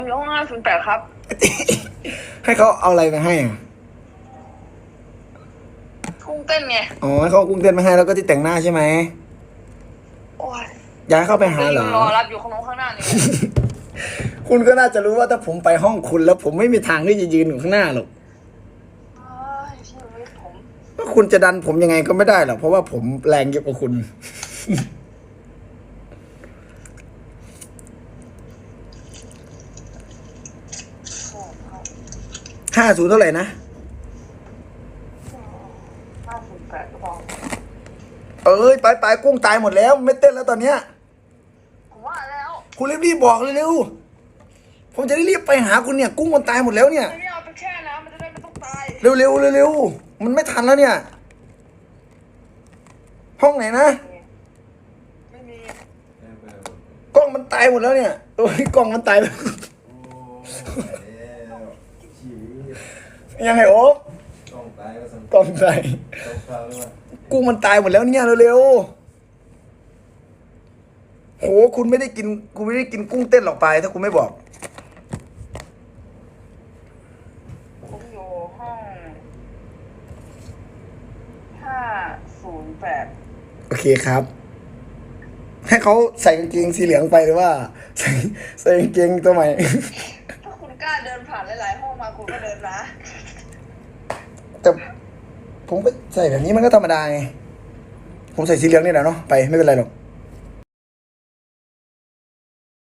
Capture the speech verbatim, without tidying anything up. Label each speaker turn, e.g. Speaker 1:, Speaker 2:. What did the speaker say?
Speaker 1: อยู่ห้องห้าศูนย์แปดครับ
Speaker 2: ให้เขาเอาอะไรมาให้อ่ะ
Speaker 1: กุ้งเต้นไง
Speaker 2: อ๋อให้เขาเอากุ้งเต้นมาให้แล้วก็ที่แต่งหน้าใช่ไหม
Speaker 1: โอ้ย
Speaker 2: อยากให้เข้าไปหาเหรอ
Speaker 1: รอรับอยู่ข้างโน้นข้างหน้านี่
Speaker 2: คุณก็น่าจะรู้ว่าถ้าผมไปห้องคุณแล้วผมไม่มีทางที่จะยืนอยู่ข้างหน้าหรอก
Speaker 1: เอ้ยชีวิตผม
Speaker 2: ว่าคุณจะดันผมยังไงก็ไม่ได้หรอกเพราะว่าผมแรงเยอะกว่าคุณ ห้าศูนย์เท่าไหร่นะ
Speaker 1: ห้าศูนย์แปดก็พอ
Speaker 2: เอ้ยไปไปกุ้งตายหมดแล้วไม่เต้นแล้วตอนเนี้ย
Speaker 1: ผมว่าแล้ว
Speaker 2: คุณรีบๆบอกเร็วๆผมจะได้รีบไปหาคุณเนี่ย กุ้งมันตายหมดแล้วเนี่ย
Speaker 1: ไม่เอาไปแช่น้ำมันจะได้ไม่ต้องตาย
Speaker 2: เร็วๆเร็วๆมันไม่ทันแล้วเนี่ย ห้องไหนนะ
Speaker 1: ไม่มี
Speaker 2: กล้องมันตายหมดแล้วเนี่ยโอ้ยกล้องมันตายแล้วยังไงโอ๊ค
Speaker 3: กล้องตายก็สำ
Speaker 2: กล้องตาย
Speaker 3: ต้องเข้าด้วยว่า
Speaker 2: กุ้งมันตายหมดแล้วเนี่ยเร็วๆโหคุณไม่ได้กินคุณไม่ได้กินกุ้งเต้นหรอกไปถ้าคุณไม่บอก
Speaker 1: ผมอยู่ห้องห้าศูนย์แปด
Speaker 2: โอเคครับ ให้เขาใส่กางเกงสีเหลืองไปหรือว่า ใส่ใส่กางเกงตัวใหม่
Speaker 1: ถ้าคุณกล้าเดินผ่านหลายๆห้องมาคุณก็เดินนะ
Speaker 2: แต่ผมก็ใส่แบบนี้มันก็ธรรมดาไงผมใส่สีเหลืองนี่แหละเนาะไปไม่เป็นไรหรอก